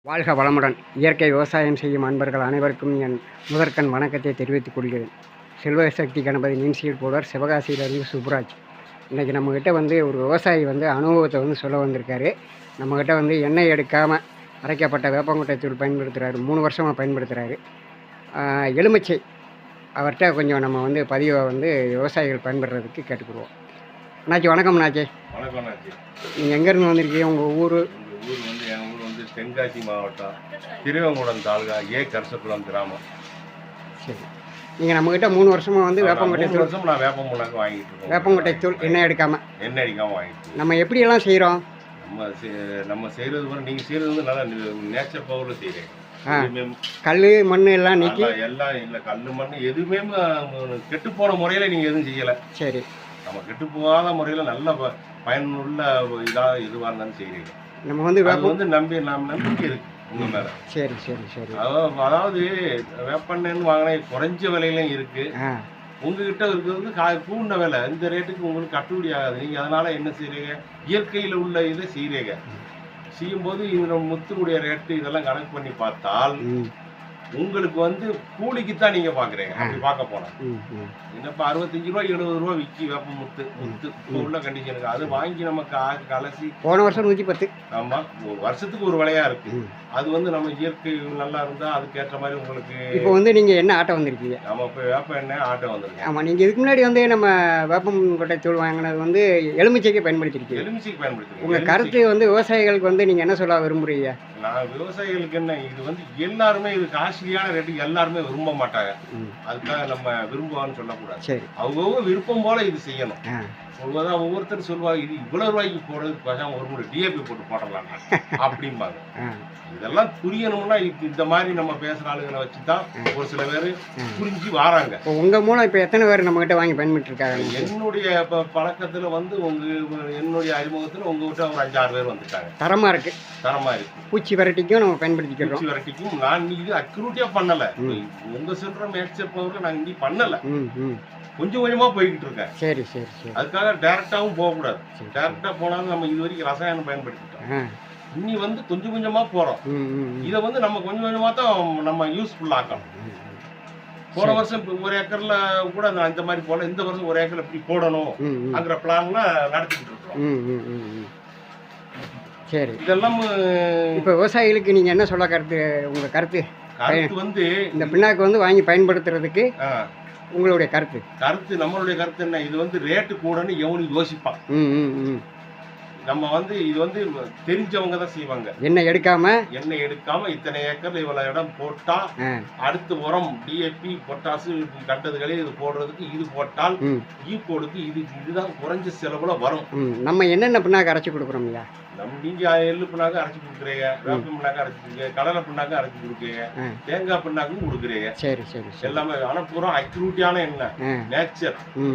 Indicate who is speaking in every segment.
Speaker 1: வாழ்க வளமுடன். இயற்கை விவசாயம் செய்யும் அன்பர்கள் அனைவருக்கும் என் முதற்கண் வணக்கத்தை தெரிவித்துக் கொள்கிறேன். செல்வசக்தி கணபதி நீன்சீட் போடுவார், சிவகாசியிலிருந்து சுப்ராஜ். இன்றைக்கி நம்மக்கிட்ட ஒரு விவசாயி அனுபவத்தை சொல்ல வந்திருக்காரு. நம்மக்கிட்ட எண்ணெய் எடுக்காமல் அரைக்கப்பட்ட வேப்பங்கொட்டை தூள் பயன்படுத்துகிறாரு. 3 வருஷமாக பயன்படுத்துகிறாரு. எலுமிச்சை அவர்கிட்ட கொஞ்சம் நம்ம பதிவை விவசாயிகள் பயன்படுறதுக்கு கேட்டுக்கிடுவோம். அண்ணாச்சி வணக்கம். அண்ணாச்சி
Speaker 2: வணக்கம்.
Speaker 1: நீங்கள் எங்கேருந்து வந்திருக்கீங்க? உங்கள் ஊர்?
Speaker 2: என் ஊர் தென்காசி மாவட்டம் திருவங்குடம் தாலுகா கரசக்குளம் கிராமம்.
Speaker 1: சரி, நீங்கள் நம்மக்கிட்ட 3 வருஷமாக வேப்பங்கொட்டை தூள்
Speaker 2: வருஷம் நான் வேப்பமுன்னாக்கு வாங்கிட்டு இருக்கோம்.
Speaker 1: வேப்பங்கொட்டை தூள் எண்ணெய் எடுக்காமல்
Speaker 2: வாங்கிட்டு
Speaker 1: நம்ம எப்படியெல்லாம் செய்கிறோம்?
Speaker 2: நம்ம செய்கிறது நீங்கள் செய்கிறது நல்லா நேச்சர் பவரில் செய்கிறேன்.
Speaker 1: கல் மண் எல்லாம் நீக்கி
Speaker 2: எல்லாம் இல்லை, கல் மண் எதுவுமே கெட்டு போன முறையில் நீங்கள் எதுவும் செய்யலை.
Speaker 1: சரி,
Speaker 2: நம்ம கெட்டு போகாத முறையில் நல்ல பயனுள்ள இதாக எதுவாக இருந்தாலும் செய்கிறீங்க.
Speaker 1: நம்ம
Speaker 2: நம்பிக்கை இருக்கு உங்க மேல.
Speaker 1: சரி சரி சரி.
Speaker 2: அதாவது வேப்பெண்ணெய்னு வாங்கினா குறைஞ்ச விலையிலும் இருக்கு. உங்ககிட்ட இருக்கிறது கூண்ட விலை, இந்த ரேட்டுக்கு உங்களுக்கு கட்டுப்படி ஆகாது. நீங்க அதனால என்ன செய்றீங்க, இயற்கையில் உள்ள இதை செய்றீங்க. செய்யும்போது இந்த முத்துடைய ரேட்டு இதெல்லாம் கணக்கு பண்ணி பார்த்தால் உங்களுக்கு கூலிக்கு தான் நீங்க பாக்குறீங்க. அப்படி பார்க்க போனா என்னப்பா 65 ரூபா 70 ரூபா விக்கி வேப்ப முத்து இப்போ உள்ள கண்டிஷனுக்கு அது வாங்கி நமக்கு கலசி
Speaker 1: போன வருஷம் 110.
Speaker 2: ஆமா, ஒரு வருஷத்துக்கு ஒரு விலையா இருக்கு. அது நம்ம இயற்கை நல்லா இருந்தா அதுக்கேற்ற மாதிரி உங்களுக்கு.
Speaker 1: இப்போ நீங்க என்ன ஆட்டோ வந்திருக்கீங்க?
Speaker 2: நம்ம இப்போ வேப்ப எண்ணெய் ஆட்டோ வந்திருக்கு.
Speaker 1: ஆமா, நீங்க இதுக்கு முன்னாடி நம்ம வேப்பங்கொட்டை தூள் வாங்கினது எலுமிச்சைக்கு பயன்படுத்திருக்கீங்க.
Speaker 2: எலுமிச்சைக்கு பயன்படுத்தி
Speaker 1: உங்க கருத்து விவசாயிகளுக்கு நீங்க என்ன சொல்ல விரும்புறீங்க?
Speaker 2: நான் விவசாயிகளுக்கு என்ன, இது எல்லாருமே இது காஸ்ட்லியான ரேட்டுக்கு எல்லாருமே விரும்ப மாட்டாங்க. அதுக்காக நம்ம விரும்புவான்னு சொல்லக்கூடாது.
Speaker 1: சரி,
Speaker 2: அவங்க விருப்பம் போல இது செய்யணும். சொல்வதா ஒவ்வொருத்தர் சொல்லுவாங்க, இது இவ்வளவு ரூபாய்க்கு போடுறதுக்கு பேசாம ஒரு முறை டிஏபி போட்டு போடலாம் அப்படிம்பாங்க. இதெல்லாம் புரியணும்னா இந்த மாதிரி நம்ம பேசுற ஆளுகளை வச்சுதான் ஒரு சில பேர் புரிஞ்சு வராங்க.
Speaker 1: உங்க மூலம் இப்ப எத்தனை பேர் நம்ம கிட்ட வாங்கி பயன்பட்டு இருக்காங்க?
Speaker 2: என்னுடைய பழக்கத்துல என்னுடைய அறிமுகத்துல உங்ககிட்ட ஒரு 5-6 பேர் வந்துட்டாங்க.
Speaker 1: தரமா இருக்கு. பூச்சி வெரைட்டிக்கும் நம்ம பயன்படுத்திக்கிறோம்.
Speaker 2: பூச்சி வெரைட்டிக்கும் நான் இது அக்யூரேட்டா பண்ணல. உங்க சொல்ற மேட்சப் பவர்ல நான் இன்னி பண்ணல. கொஞ்சம் கொஞ்சமா போய்கிட்டு இருக்கேன்.
Speaker 1: சரி சரி சரி.
Speaker 2: அதுக்காக டைரக்டாவும் போகக்கூடாது. டைரக்டா போனாலும் நம்ம இது வரைக்கும் ரசாயனம் பயன்படுத்திட்டோம். இன்னி கொஞ்சம் கொஞ்சமா போறோம். இதை நம்ம கொஞ்சம் கொஞ்சமா தான் நம்ம யூஸ்ஃபுல் ஆக்கணும். போன வருஷம் ஒரு ஏக்கர்ல கூட இந்த மாதிரி போல, இந்த வருஷம் ஒரு ஏக்கர்ல இப்படி போடணும் அங்கிற பிளான்ல நடத்திட்டு இருக்கோம்.
Speaker 1: சரி,
Speaker 2: இதெல்லாம்
Speaker 1: இப்ப விவசாயிகளுக்கு நீங்க என்ன சொல்ல உங்க கருத்து இந்த பின்னாக்கு வாங்கி பயன்படுத்துறதுக்கு உங்களுடைய கருத்து?
Speaker 2: நம்மளுடைய கருத்து என்ன, இது ரேட்டு கூடன்னு எவனும் யோசிப்பான். நம்ம இது தெரிஞ்சவங்க தான் செய்வாங்க.
Speaker 1: எண்ணெய் எடுக்காம
Speaker 2: இத்தனை ஏக்கர்ல இவ்வளவு இடம் போட்டா அடுத்து உரம் டிஏபி பொட்டாசு கண்டதுகளே இது போடுறதுக்கு இது போட்டால் ஈக்கோடுக்கு இதுதான் குறைஞ்ச செலவுல வரும்.
Speaker 1: நம்ம என்னென்ன பின்னாக்கு அரைச்சி கொடுக்குறோம் இல்லையா?
Speaker 2: நீங்க எள்ளு பின்னாக்கு அரைச்சி கொடுக்குறீங்க, வேப்ப பின்னாக்கு அரைச்சி கொடுக்குறீங்க, கடலை பின்னாக்கு அரைச்சி கொடுக்குறீங்க, தேங்காய் பின்னாக்கும் கொடுக்குறீங்க.
Speaker 1: சரி சரி.
Speaker 2: எல்லாமே ஆனா பூரா அக்யூரேட்டான எண்ணெய், நேச்சர்.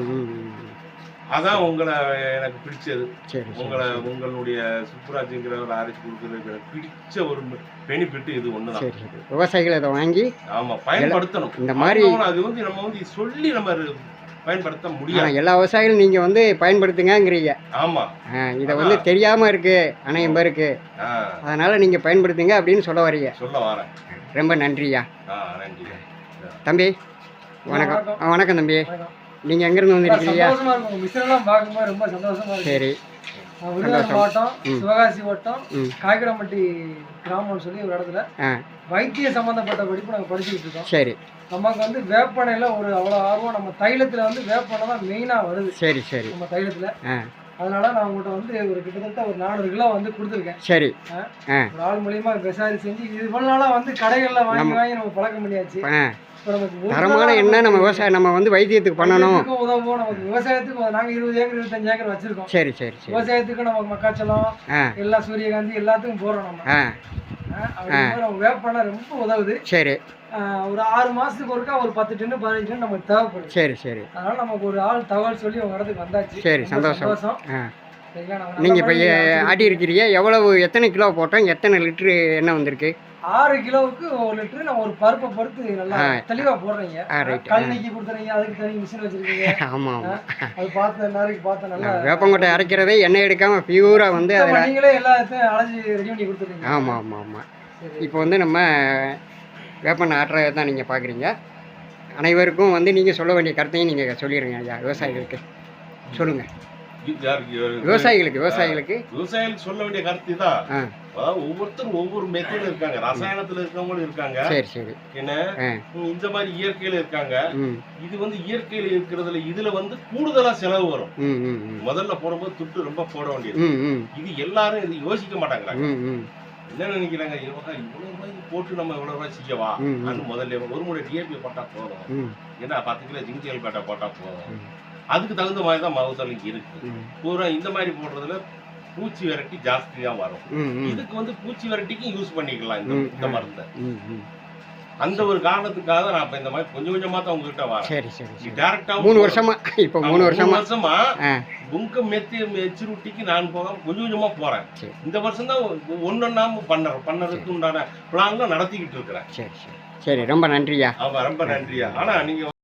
Speaker 2: அதான் உங்களை எனக்கு பிடிச்சது. உங்களுடைய சுப்ராஜ்ங்கிறவரை அரைச்சி கொடுக்கறது பிடிச்ச ஒரு பெனிஃபிட் இது ஒண்ணுதான்.
Speaker 1: விவசாயிகள் அதை வாங்கி
Speaker 2: பயன்படுத்தணும். இந்த மாதிரி அது நம்ம சொல்லி நம்ம பயன்படுத்த முடியாது.
Speaker 1: எல்லா விவசாயிகளும் நீங்க பயன்படுத்துங்கிறீங்க.
Speaker 2: ஆமா,
Speaker 1: இதை தெரியாம இருக்கு அனைவரும் பேருக்கு, அதனால நீங்க பயன்படுத்துங்க அப்படின்னு சொல்ல
Speaker 2: வரேன்.
Speaker 1: ரொம்ப நன்றியா.
Speaker 2: நன்றி
Speaker 1: தம்பி. வணக்கம். வணக்கம் தம்பி. நீங்க எங்க இருந்து வந்திருக்கீங்க? சரி,
Speaker 3: மாவட்டம் சிவகாசி வட்டம் காய்கடம்பட்டி கிராமம்னு சொல்லி ஒரு இடத்துல வைத்திய சம்பந்தப்பட்ட படிப்பு நாங்கள் படிச்சுக்கிட்டு இருக்கோம்.
Speaker 1: சரி,
Speaker 3: நமக்கு வேப்பெண்ணெயில ஒரு அவ்வளோ ஆர்வம். நம்ம தைலத்துல வேப்பெண்ணெய் தான் மெயினா வருது.
Speaker 1: சரி சரி.
Speaker 3: நம்ம தைலத்துல அதனால நான் உங்கள்கிட்ட ஒரு கிட்டத்தட்ட ஒரு 400 கிலோ கொடுத்துருக்கேன்.
Speaker 1: சரி,
Speaker 3: ஒரு ஆள் மூலியமா விசாரி செஞ்சு இது இவ்வளவு நாளா கடைகள்ல வாங்கி நம்ம பழக்கம் பண்ணியாச்சு.
Speaker 1: தரமான என்ன நம்ம விவசாயம் நம்ம வைத்தியத்துக்கு பண்ணணும்,
Speaker 3: உதவும். நமக்கு விவசாயத்துக்கு நாங்க 20 ஏக்கர் 25 ஏக்கர் வச்சிருக்கோம்.
Speaker 1: சரி சரி.
Speaker 3: விவசாயத்துக்கு நமக்கு மக்காச்சலம் எல்லாம் சூரியகாந்தி எல்லாத்துக்கும் போறோம். நம்ம வேப்பெண்ணெய் ரொம்ப உதவுது.
Speaker 1: சரி,
Speaker 3: ஒரு 6 மாசத்துக்கு ஒருக்கா ஒரு 10 டன் 15 டன் நமக்கு தேவைப்படுது.
Speaker 1: சரி சரி.
Speaker 3: அதனால நமக்கு ஒரு ஆள் தகவல் சொல்லி உங்க இடத்துக்கு வந்தாச்சு.
Speaker 1: சரி, சந்தோஷம். நீங்க இப்ப ஆட்டி இருக்கிறீங்க, எத்தனை கிலோ போட்டோம், எத்தனை லிட்டரு எண்ணெய் வந்திருக்கு?
Speaker 3: 6 கிலோவுக்கு 1 லிட்டர். நான் ஒரு பருப்பை பொறுத்து நல்லா தெளிவா போடுறீங்க. கல் நீக்கி கொடுத்துறீங்க, அதுக்கு தனி மிஷின் வச்சிருக்கீங்க.
Speaker 1: ஆமா,
Speaker 3: அது பார்த்து நாளைக்கு பார்த்து நல்லா
Speaker 1: வேப்பங்கொட்டை அரைக்கிறதே எண்ணெய் எடுக்காம பியூரா
Speaker 3: நீங்களே எல்லாத்தையும் அலைஞ்சி ரெடி பண்ணி கொடுத்துருக்கீங்க.
Speaker 1: ஆமா ஆமா ஆமா. இப்போ வந்து நம்ம வேப்பெண்ணெய் ஆட்டுறதை தான் நீங்கள் பார்க்குறீங்க. அனைவருக்கும் வந்து நீங்கள் சொல்ல வேண்டிய கருத்தையும் நீங்கள் சொல்லிடுங்க ஐயா. விவசாயிகளுக்கு சொல்லுங்கள். விவசாயிகளுக்கு
Speaker 2: சொல்ல வேண்டிய கருத்து தான்.
Speaker 1: ஆ
Speaker 2: அதாவது ஒவ்வொருத்தரும் ஒவ்வொரு மெத்தட்ல இருக்காங்க. ரசாயனத்துல இருக்கவங்களும் இருக்காங்க.
Speaker 1: சரி சரி.
Speaker 2: என்ன இந்த மாதிரி இயற்கையில இருக்காங்க. இது வந்து இயற்கையில இருக்கிறதுல இதுல வந்து கூடுதலா செலவு வரும். முதல்ல போடும்போது துட்டு ரொம்ப போட வேண்டியது. இது எல்லாரும் இது யோசிக்க மாட்டாங்க. என்ன நினைக்கிறாங்க, இவ்வளவு ரூபாய் போட்டு நம்ம இவ்வளவு ரூபாய் செய்யவா முதல்ல ஒரு முறை டிஏபி போட்டா போதும், ஏன்னா 10 கிலோ ஜிங்க் பேட்டா போட்டா போதும். அதுக்கு தகுந்த மாதிரி தான் மகசூல் இருக்கு. பூரா இந்த மாதிரி போடுறதுல பூச்சி விரட்டி ஜாஸ்தியா வரும். இதுக்கு வந்து பூச்சி விரட்டிக்கும் யூஸ் பண்ணிக்கலாம் இந்த மருந்தை. அந்த ஒரு காரணத்துக்காக நான் இப்ப இந்த மாதிரி கொஞ்சம் கொஞ்சமா தான் உங்ககிட்ட வரேன்.
Speaker 1: சரி சரி.
Speaker 2: டைரக்டா
Speaker 1: 3 வருஷமா இப்போ 3
Speaker 2: வருஷமா உங்க மெச்சூரிட்டிக்கு நான் போகாம கொஞ்சம் கொஞ்சமா போறேன். இந்த வருஷம் தான் ஒன்னொன்னா பண்ணறதுக்கு உண்டான பிளான்ல நடத்திக்கிட்டு இருக்கிறேன்.
Speaker 1: சரி சரி சரி. ரொம்ப நன்றியா.
Speaker 2: ரொம்ப நன்றியா. ஆனா நீங்க